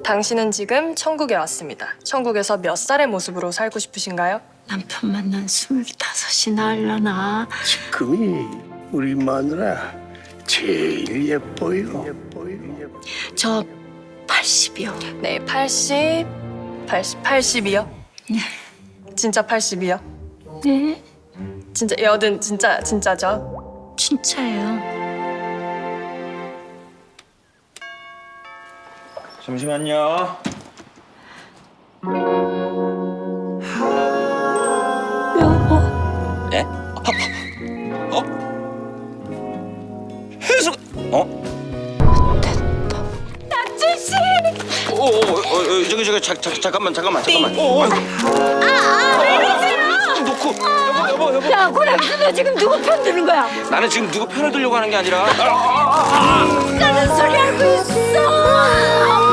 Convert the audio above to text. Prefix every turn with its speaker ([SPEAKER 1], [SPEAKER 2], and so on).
[SPEAKER 1] 당신은 지금 천국에 왔습니다. 천국에서 몇 살의 모습으로 살고 싶으신가요?
[SPEAKER 2] 남편 만난 25이나 하려나?
[SPEAKER 3] 지금이 우리 마누라 제일 예뻐요.
[SPEAKER 2] 저 80이요.
[SPEAKER 1] 네, 80이요?
[SPEAKER 2] 네.
[SPEAKER 1] 진짜 80이요?
[SPEAKER 2] 네,
[SPEAKER 1] 진짜 여든 진짜죠?
[SPEAKER 2] 진짜예요.
[SPEAKER 4] 잠시만요.
[SPEAKER 2] 여보,
[SPEAKER 4] 예? 혜수가
[SPEAKER 2] 낙준 씨.
[SPEAKER 4] 저기 잠깐만. 놓고 여보.
[SPEAKER 2] 야, 고랑수 너 지금 누구 편 드는 거야?
[SPEAKER 4] 나는 지금 누구 편을 들려고 하는 게 아니라.
[SPEAKER 2] 까는 소리 하고 있어.